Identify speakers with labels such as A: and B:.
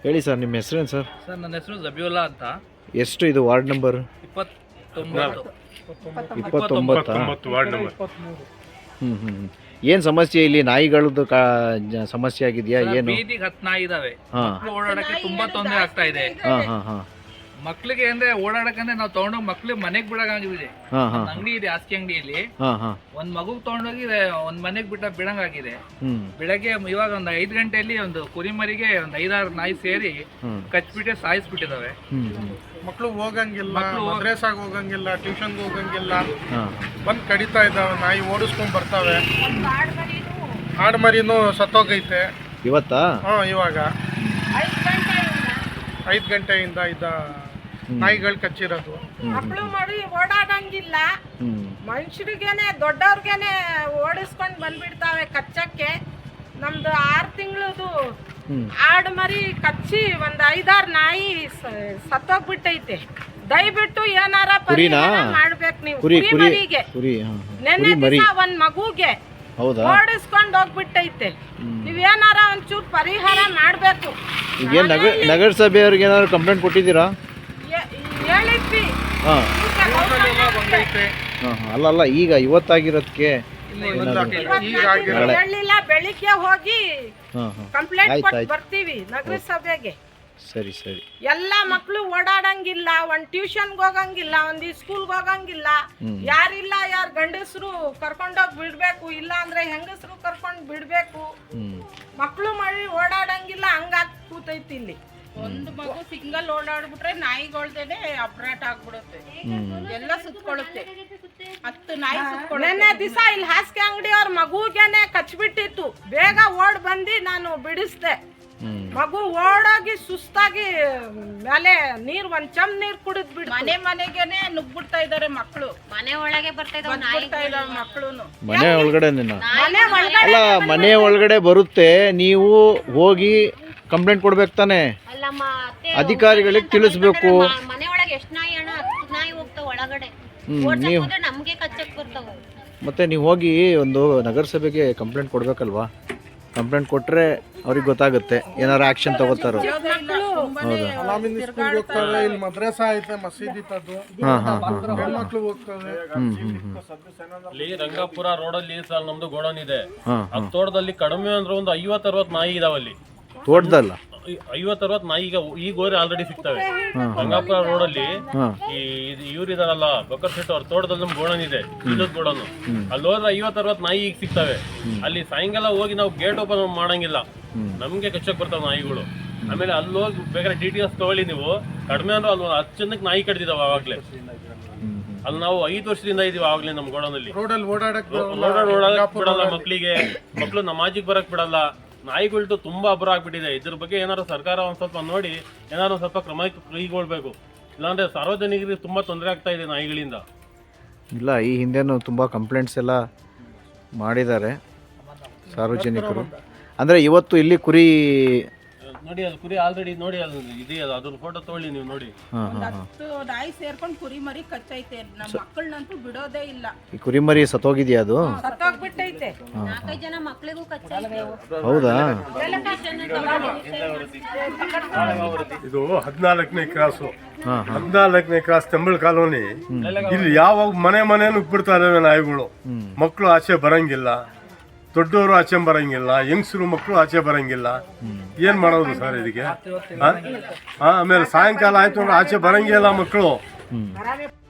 A: ಹೇಳಿ ಸರ್, ನಿಮ್ಮ ಹೆಸರೇನು ಸರ್?
B: ಸರ್ ನನ್ನ ಹೆಸರು ಜಬಿಯುಲ್ಲಾ ಅಂತ.
A: ಎಷ್ಟು ಇದು ವಾರ್ಡ್ ನಂಬರ್?
B: 29
C: ward number.
A: ಏನು ಸಮಸ್ಯೆ ಇಲ್ಲಿ? ನಾಯಿಗಳದ್ದು ಸಮಸ್ಯೆ ಆಗಿದೆಯಾ ಏನು?
B: ಬೀದಿಗೆ 10 ನಾಯಿ ಇದಾವೆ.
A: ಹಾಂ
B: ಮಕ್ಳು ಓಡಾಡಕ್ಕೆ ತುಂಬಾ ತೊಂದರೆ ಆಗ್ತಾ ಇದೆ.
A: ಹಾಂ ಹಾಂ ಹಾಂ
B: ಮಕ್ಳಿಗೆ ಅಂದ್ರೆ ಓಡಾಡಕಂದ್ರೆ ನಾವು ತಗೊಂಡೋಗಿ ಮಕ್ಳಿಗೆ ಮನೆಗೆ ಬಿಡಂಗಾಗಿದೆ.
A: ಹಾಂ ಹಾಂ
B: ಅಂಗಡಿ ಇದೆ, ಹಾಸಿಗೆ ಅಂಗಡಿಯಲ್ಲಿ
A: ಹಾಂ ಹಾಂ
B: ಒಂದ್ ಮಗುಗ್ ತಗೊಂಡೋಗಿ ಒಂದ್ ಮನೆಗ್ ಬಿಡಂಗಾಗಿದೆ.
A: ಹ್ಞೂ
B: ಬೆಳಗ್ಗೆ ಇವಾಗ ಒಂದು 5 ಗಂಟೆಯಲ್ಲಿ ಒಂದು ಕುರಿಮರಿಗೆ ಒಂದು 5-6 ನಾಯಿ ಸೇರಿ ಕಚ್ಬಿಟ್ಟೆ ಸಾಯಿಸ್ಬಿಟ್ಟಿದಾವೆ.
C: ಮಕ್ಕಳು ಹೋಗಂಗಿಲ್ಲ, ಮದ್ರೇಸಾಗ ಹೋಗಂಗಿಲ್ಲ, ಟ್ಯೂಷನ್ಗೆ ಹೋಗಂಗಿಲ್ಲ,
A: ಹಾಂ
C: ಬಂದು ಕಡಿತಾ ಇದ್ದಾವೆ. ನಾಯಿ ಓಡಿಸ್ಕೊಂಡ್ ಬರ್ತಾವೆ. ಆಡ್ಮರಿನೂ ಸತ್ತೋಗೈತೆ
A: ಇವತ್ತಾ?
C: ಹಾಂ, ಇವಾಗ 5 ಗಂಟೆಯಿಂದ ನಾಯಿಗಳು ಕಚ್ಚಿರೋದು.
D: ಮಕ್ಕಳು ಮಾಡಿ ಓಡಾಡಂಗಿಲ್ಲ. ಮನುಷ್ಯರಿಗೇನೆ ದೊಡ್ಡವ್ರಿಗೇನೆ ಓಡಿಸ್ಕೊಂಡ್ ಬಂದ್ಬಿಡ್ತಾವೆ ಕಚ್ಚಕ್ಕೆ. ನಮ್ದು 6 ತಿಂಗಳದು ಆಡು ಮರಿ ಕಚ್ಚಿ ಒಂದ್ 5-6 ನಾಯಿ ಸತ್ತೋಗ್ಬಿಟ್ಟೈತೆ. ದಯವಿಟ್ಟು ಏನಾರ ಪರಿಹಾರ ಮಾಡ್ಬೇಕು ನೀವು. ಕುರಿ ಮರಿಗೆ ನೆನ್ನೆ ದಿವಸ ಒಂದ್ ಮಗುಗೆ ಓಡಿಸ್ಕೊಂಡ್ ಹೋಗ್ಬಿಟ್ಟೈತೆ. ನೀವೇನಾರ ಒಂಚೂರು ಪರಿಹಾರ ಮಾಡ್ಬೇಕು.
A: ಈಗೇನು ನಗರಸಭೆಯವ್ರಿಗೆ ಏನಾದ್ರು ಕಂಪ್ಲೇಂಟ್ ಕೊಟ್ಟಿದ್ದೀರಾ?
D: ಹೇಳಿದ್ವಿ.
A: ಹಾಂ
C: ಬಂದೈತೆ.
A: ಹಾಂ ಅಲ್ಲ ಈಗ ಇವತ್ತಾಗಿರೋದಕ್ಕೆ
D: ಹೇಳಿಲ್ಲ. ಬೆಳಿಗ್ಗೆ ಹೋಗಿ
A: ಹಾಂ ಹಾಂ
D: ಕಂಪ್ಲೇಂಟ್ ಕೊಟ್ಟು ಬರ್ತೀವಿ ನಗರಸಭೆಗೆ.
A: ಸರಿ ಸರಿ.
D: ಎಲ್ಲ ಮಕ್ಕಳು ಓಡಾಡಂಗಿಲ್ಲ, ಒಂದ್ ಟ್ಯೂಷನ್ಗೆ ಹೋಗಂಗಿಲ್ಲ, ಒಂದ್ ಸ್ಕೂಲ್ಗೆ ಹೋಗಂಗಿಲ್ಲ. ಯಾರಿಲ್ಲ, ಯಾರು ಗಂಡಸರು ಕರ್ಕೊಂಡೋಗಿ ಬಿಡ್ಬೇಕು, ಇಲ್ಲ ಅಂದ್ರೆ ಹೆಂಗಸರು ಕರ್ಕೊಂಡ್ ಬಿಡ್ಬೇಕು. ಮಕ್ಕಳು ಮಾಡಿ ಓಡಾಡಂಗಿಲ್ಲ, ಹಂಗಾಗಿ ಕೂತೈತಿ ಇಲ್ಲಿ. ಒಂದು ಮಗು ಸಿಂಗಲ್ ಓಡಾಡ್ಬಿಟ್ರೆ ನಾಯಿಗಳ್ದೇನೆ ಅಪ್ರಾಟ್ ಆಗ್ಬಿಡುತ್ತೆ, ಎಲ್ಲ ಸುತ್ಕೊಳ್ಳುತ್ತೆ. 10 ನಾಯಿ ನೆನ್ನೆ ದಿವಸ ಇಲ್ಲಿ ಹಾಸಿಗೆ ಅಂಗಡಿ ಅವ್ರ ಮಗುಗೇನೆ ಕಚ್ಬಿಟ್ಟಿತ್ತು. ಬೇಗ ಓಡ್ ಬಂದು ನಾನು ಬಿಡಿಸ್ದೆ. ಮಗು ಓಡೋಗಿ ಸುಸ್ತಾಗಿ ಮೇಲೆ ಒಂದ್ ಚಮ್ ನೀರ್ ಕುಡಿದ್ ಬಿಡ್ ಮನೆಗೇನೆ ನುಗ್ಬಿಡ್ತಾ ಇದಾರೆ ಮಕ್ಕಳು. ಮನೆ ಒಳಗೆ ಬರ್ತಾ ಇದಾವೆ ಮಕ್ಕಳು.
A: ಮನೆ ಒಳಗಡೆ ಅಲ್ಲ, ಮನೆ ಒಳಗಡೆ ಬರುತ್ತೆ. ನೀವು ಹೋಗಿ ಕಂಪ್ಲೇಂಟ್ ಕೊಡ್ಬೇಕು ತಾನೆ, ಅಧಿಕಾರಿಗಳಿಗೆ ತಿಳಿಸ್ಬೇಕು.
E: ಮನೆ ಒಳಗೆ ಎಷ್ಟು ನಾಯಿ ಅಣ್ಣ? 10 ನಾಯಿ ಹೋಗ್ತಾವ ಒಳಗಡೆ.
A: ನೀವು
E: ನಮ್ಗೆ ಕಚ್ಚಕ್ ಬರ್ತಾವ.
A: ಮತ್ತೆ ನೀವು ಹೋಗಿ ಒಂದು ನಗರಸಭೆಗೆ ಕಂಪ್ಲೇಂಟ್ ಕೊಡ್ಬೇಕಲ್ವಾ? ಕಂಪ್ಲೇಂಟ್ ಕೊಟ್ರೆ ಅವ್ರಿಗೆ ಗೊತ್ತಾಗುತ್ತೆ, ಏನಾರು ಆಕ್ಷನ್ ತಗೋತಾರೋ.
C: ಅಲಾಮಿನ್ ಸ್ಕೂಲ್ಗೆ ಹೋಗ್ತವೆ, ಇಲ್ಲಿ ಮದ್ರಸಾ ಐತೆ, ಮಸೀದಿ ಇತ್ತದು. ಹೆಣ್ಮಕ್ಳು ಹೋಗ್ತವೆ.
F: ಇಲ್ಲಿ ರಂಗಾಪುರ ರೋಡಲ್ಲಿ ಸರ್ ನಮ್ದು ಗೋಡನ್ ಇದೆ. ಆ ತೋಟದಲ್ಲಿ ಕಡಿಮೆ ಅಂದ್ರೆ ಒಂದು 50-60 ನಾಯಿ ಇದಾವಲ್ಲಿ.
A: ತೋಟದಲ್ಲ
F: 50-60 ನಾಯಿ ಈಗ ಗೋರಿ ಆಲ್ರೆಡಿ ಸಿಗ್ತವೆ ರಂಗಾಪುರ ರೋಡಲ್ಲಿ. ಇವ್ರು ಇದಾರಲ್ಲ ಬಕರ್ ಶೆಟ್ ಅವ್ರ ತೋಟದಲ್ಲಿ ನಮ್ ಗೋಡನ್ ಇದೆ, ಇಲ್ಲದ ಗೋಡನ್. ಅಲ್ಲಿ ಹೋದ್ರೆ 50-60 ನಾಯಿ ಈಗ ಸಿಗ್ತವೆ. ಅಲ್ಲಿ ಸಾಯಂಕಾಲ ಹೋಗಿ ನಾವು ಗೇಟ್ ಓಪನ್ ಮಾಡಂಗಿಲ್ಲ, ನಮ್ಗೆ ಕಚ್ಚಕ್ ಬರ್ತಾವ ನಾಯಿಗಳು. ಆಮೇಲೆ ಅಲ್ಲಿ ಹೋಗಿ ಬೇಕಾದ್ರೆ DTS ತಗೊಳ್ಳಿ ನೀವು. ಕಡಿಮೆ ಅಂದ್ರೆ ಅಲ್ಲಿ 10 ಜನಕ್ಕೆ ನಾಯಿ ಕಡ್ದಿದಾವ ಆವಾಗ್ಲೇ. ಅಲ್ಲಿ ನಾವು 5 ವರ್ಷದಿಂದ ಇದೀವಿ ಆವಾಗ್ಲೇ ನಮ್ ಗೋಡನಲ್ಲಿ.
C: ರೋಡಲ್ಲಿ ಓಡಾಡಕ್
F: ಬಿಡಲ್ಲ ಮಕ್ಳಿಗೆ, ಮಕ್ಳು ನಮಾಜಿಗೆ ಬರಕ್ ಬಿಡಲ್ಲ. ನಾಯಿಗಳ್ದು ತುಂಬಾ ಅಬ್ಬರ ಆಗ್ಬಿಟ್ಟಿದೆ. ಇದ್ರ ಬಗ್ಗೆ ಏನಾದ್ರು ಸರ್ಕಾರ ಒಂದ್ ಸ್ವಲ್ಪ ನೋಡಿ ಏನಾದ್ರು ಸ್ವಲ್ಪ ಕ್ರಮ ಕೈಗೊಳ್ಬೇಕು. ಇಲ್ಲಾಂದ್ರೆ ಸಾರ್ವಜನಿಕರಿಗೆ ತುಂಬಾ ತೊಂದರೆ ಆಗ್ತಾ ಇದೆ ನಾಯಿಗಳಿಂದ.
A: ಇಲ್ಲ, ಈ ಹಿಂದೆನೂ ತುಂಬಾ ಕಂಪ್ಲೇಂಟ್ಸ್ ಎಲ್ಲ ಮಾಡಿದ್ದಾರೆ ಸಾರ್ವಜನಿಕರು. ಅಂದ್ರೆ ಇವತ್ತು ಇಲ್ಲಿ ಕುರಿ
F: ನೋಡಿ, ಅಲ್ಲಿ ಕುರಿ ಆಲ್ರೆಡಿ ನೋಡಿ, ಅಲ್ಲಿ ಇದೆಯಲ್ಲ, ಅದ್ರ ಫೋಟೋ ತಗೊಳ್ಳಿ ನೀವು ನೋಡಿ.
D: 10 ನಾಯಿ ಸೇರ್ಕೊಂಡು ಕುರಿ ಮರಿ ಕಚ್ಚೈತೆ. ನಮ್ಮ ಮಕ್ಕಳನ್ನಂತೂ ಬಿಡೋದೇ ಇಲ್ಲ.
A: ಈ ಕುರಿ ಮರಿ ಸತ್ತೋಗಿದ್ಯಾ? ಅದು
D: ಸತ್ತೋಗ್ಬಿಟ್ಟೈತೆ.
E: 4-5 ಜನ ಮಕ್ಳಿಗೂ ಕಚ್ಚೈತೆ.
A: ಹೌದಾ?
G: ಇದು 14ನೇ ಕ್ರಾಸು. 14ನೇ ಕ್ರಾಸ್ ತೆಂಬಳ ಕಾಲೋನಿ. ಇಲ್ಲಿ ಯಾವಾಗ ಮನೆ ನುಗ್ಬಿಡ್ತಾ ಇದಾವೆ ನಾಯಿಗಳು. ಮಕ್ಕಳು ಆಚೆ ಬರಂಗಿಲ್ಲ, ದೊಡ್ಡವರು ಆಚೆ ಬರಂಗಿಲ್ಲ, ಹೆಂಗಸರು ಮಕ್ಕಳು ಆಚೆ ಬರಂಗಿಲ್ಲ. ಏನ್ ಮಾಡೋದು ಸರ್ ಇದಕ್ಕೆ? ಆಮೇಲೆ ಸಾಯಂಕಾಲ ಆಯ್ತು ಅಂದ್ರೆ ಆಚೆ ಬರಂಗಿಲ್ಲ ಮಕ್ಕಳು.